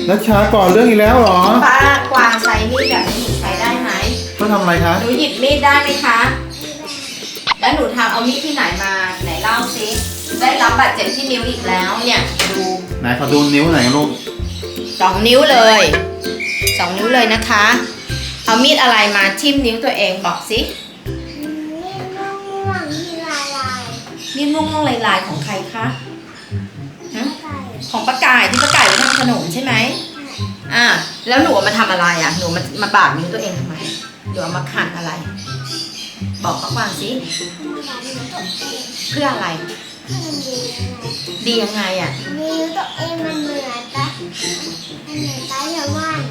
นัชชาก่อนเรื่องอีกแล้วเหรอป้ากวางใช้มีดแบบนี้หนูใช้ได้ไหมเขาทำอะไรคะหนูหยิบมีดได้ไหมคะแล้วหนูทำเอามีดที่ไหนมาไหนเล่าซิได้รับบาดเจ็บที่นิ้วอีกแล้วเนี่ยดูไหนขอดูนิ้วหน่อยลูก 2 นิ้วเลย2 นิ้วเลยนะคะเอามีดอะไรมาทิ่มนิ้วตัวเองบอกสิมีดม่วงๆลายๆของใครคะของป้าไก่ที่ป้าไก่ไปทำขนมใช่ไหมแล้วหนูมาทำอะไรอ่ะหนูมาบาดนิ้วตัวเองทำไมหนูมาขันอะไรบอกป้ากวางสิเพื่ออะไรดียังไงอ่ะนิ้วตัวเองมันเหมือนปลาแซลมอน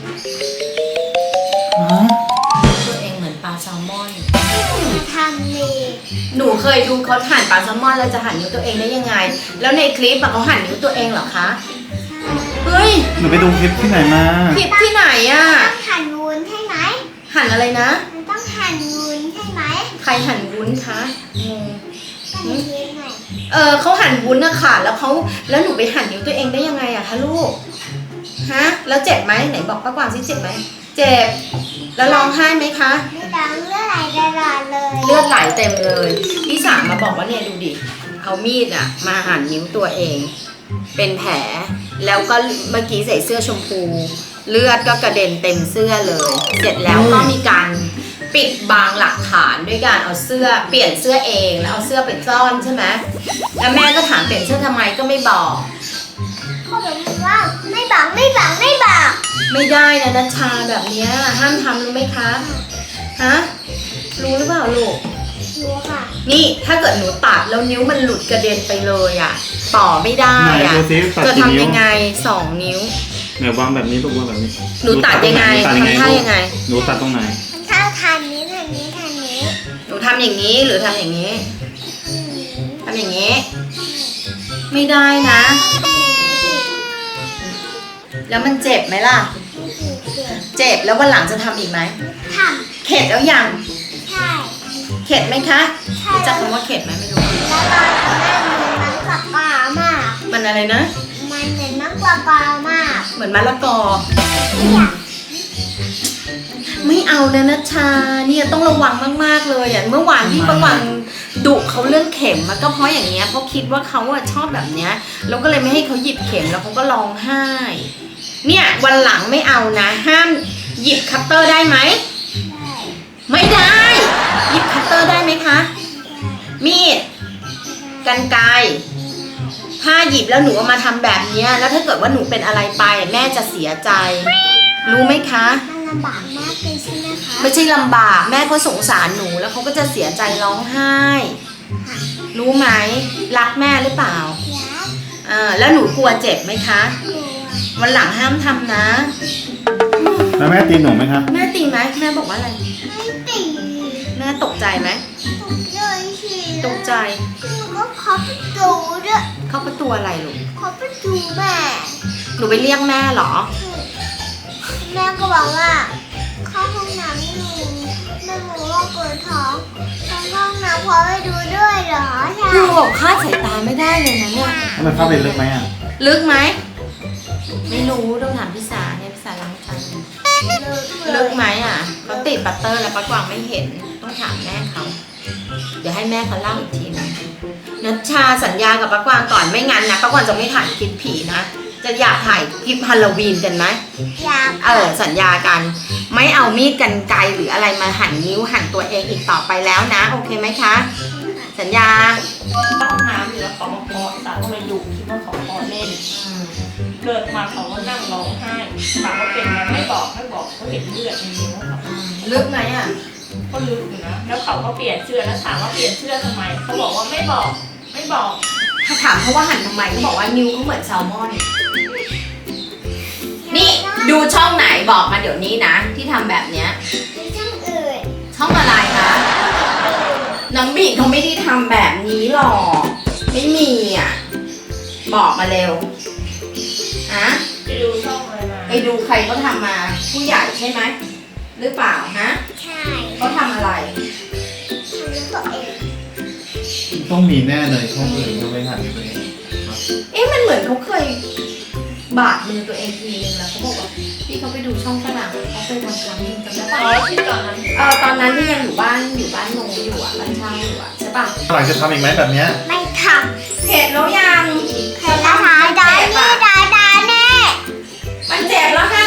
ตัวเองเหมือนปลาแซลมอนทำนี่หนูเคยดูเขาหั่นปลาแซลมอนแล้วจะหั่นนิ้วตัวเองได้ยังไงแล้วในคลิปเขาหั่นนิ้วตัวเองเหรอคะเฮ้ยหนูไปดูคลิปที่ไหนมาคลิปที่ไหนอ่ะต้องหั่นวุ้นใช่ไหมหั่นอะไรนะมันต้องหั่นวุ้นใช่ไหมใครหั่นวุ้นคะเขาหั่นวุ้นนะค่ะแล้วหนูไปหั่นนิ้วตัวเองได้ยังไงอะคะลูกฮะแล้วเจ็บไหมไหนบอกป้ากวางสิเจ็บไหมเจ็บแล้วร้องไห้ไหมคะไม่ร้องเลือดไหลตลอดเลยเลือดไหลเต็มเลยพี่สามมาบอกว่าเนี่ยดูดิเอามีดอะมาหั่นนิ้วตัวเองเป็นแผลแล้วก็เมื่อกี้ใส่เสื้อชมพูเลือดก็กระเด็นเต็มเสื้อเลยเสร็จแล้วก็มีการปิดบังหลักฐานด้วยการเอาเสื้อเปลี่ยนเสื้อเองแล้วเอาเสื้อไปซ่อนใช่ไหมแล้วแม่ก็ถามเปลี่ยนเสื้อทำไมก็ไม่บอกเขาบอกว่าไม่บอกไม่ได้นะนัชชาแบบนี้ห้ามทำรู้ไหมคะฮะรู้หรือเปล่าลูกรู้ค่ะนี่ถ้าเกิดหนูตัดแล้วนิ้วมันหลุดกระเด็นไปเลยอ่ะต่อไม่ได้อ่ะจะทำยังไง2 นิ้วเนี่ยวางแบบนี้ลูกวางแบบนี้หนูตัดยังไงทำท่ายังไงหนูตัดตรงไหนถ้าทันนี้หนูทำอย่างนี้หรือทำอย่างนี้ทำอย่างนี้ไม่ได้นะแล้วมันเจ็บไหมล่ะเจ็บแล้ววันหลังจะทำอีกไหมทำเข็ดแล้วยังใช่เข็ดไหมคะรู้จักคำว่าเข็ดไหมไม่รู้แล้วตอนนั้นมันนักกว่าปลามากมันอะไรนะมันเหมือนนักกว่าปลามากเหมือนมะละกอไม่เอานะนัชชาเนี่ยต้องระวังมากๆเลยอ่ะเมื่อวานที่ประวังดุเขาเรื่องเข็มมันก็เพราะอย่างเงี้ยเพราะคิดว่าเขาชอบแบบเนี้ยเราก็เลยไม่ให้เขาหยิบเข็มแล้วเขาก็ร้องไห้เนี่ยวันหลังไม่เอานะห้ามหยิบคัตเตอร์ได้ไหมไม่ได้หยิบคัตเตอร์ได้ไหมคะมีดกรรไกรถ้าหยิบแล้วหนูเอามาทำแบบนี้แล้วถ้าเกิดว่าหนูเป็นอะไรไปแม่จะเสียใจรู้ไหมคะลำบากมากเลยใช่ไหมคะไม่ใช่ลำบากแม่ก็สงสารหนูแล้วเขาก็จะเสียใจร้องไห้รู้ไหมรักแม่หรือเปล่าแล้วหนูกลัวเจ็บไหมคะวันหลังห้ามทำนะแล้วแม่ตีหนูไหมคะแม่ตีไหมแม่บอกว่าอะไรไม่ตีแม่ตกใจไหมตกใจหนูก็เคาะประตูด้วยเคาะประตูอะไรลูกเคาะประตูแม่หนูไปเรียกแม่เหรอแม่ก็บอกว่าเข้าห้องน้ำหนูแม่บอกว่าปวดท้องเข้าห้องน้ำพอไปดูด้วยเหรอใช่คือบอกคาดสายตาไม่ได้เลยนะเนี่ยมันเข้าไปลึกไหมลึกไหมไม่รู้ต้องถามพี่สาเนี่ยพี่สาล้างจานลึกไหมเขาติดบัตเตอร์แล้วป้ากวางไม่เห็นต้องถามแม่เขาเดี๋ยวให้แม่เขาเล่าอีกทีนะนัชชาสัญญากับป้ากวางก่อนไม่งั้นนะป้ากวางจะไม่ถ่ายคลิปผีนะจะอยากถ่ายคลิปฮาโลวีนกันไหมอยากสัญญากันไม่เอามีดกรรไกรหรืออะไรมาหั่นนิ้วหั่นตัวเองอีกต่อไปแล้วนะโอเคไหมคะสัญญาห้องน้ำอยู่แล้วเขามาเคาะตาก็เลยดุคิดว่าเขาเคาะเล่นเกิดมาเขาก็นั่งร้องไห้ถามว่าเป็นไงไม่บอกเขาเห็นเลือดในนิ้วเขาลึกไหมก็ลึกอยู่นะแล้วเขาก็เปลี่ยนเสื้อแล้วถามว่าเปลี่ยนเสื้อทำไมเขาบอกว่าไม่บอกถ้าถามเขาว่าหั่นทำไมเขาบอกว่านิ้วเขาเหมือนแซลมอนนี่ดูช่องไหนบอกมาเดี๋ยวนี้นะที่ทำแบบเนี้ยช่องอื่นช่องอะไรคะน้องบีเขาไม่ได้ทำแบบนี้หรอกไม่มีบอกมาเร็วไปดูช่องอะไรมาไปดูใครเขาทำมาผู้ใหญ่ใช่ไหมหรือเปล่าใช่เขาทำอะไรทำตัวเองต้องมีแน่เลยช่องอื่นก็ไม่หันเลยมันเหมือนเขาเคยบาดมือตัวเองทีนึงแล้วเขาบอกว่าพี่เขาไปดูช่องฝรั่งเขาเคยทำครั้งนึงจำได้อ๋ปะอที่ตอนนั้นตอนนั้นที่ยังอยู่บ้านโนอยู่อ่ะบ้านเช่าอยู่อ่ะใช่ปะหลังจะทำอีกไหมแบบเนี้ยไม่ทเห็นแล้วยังำเห็นแล้วหาดานี่ดาแน่มันเจ็บแล้วค่ะ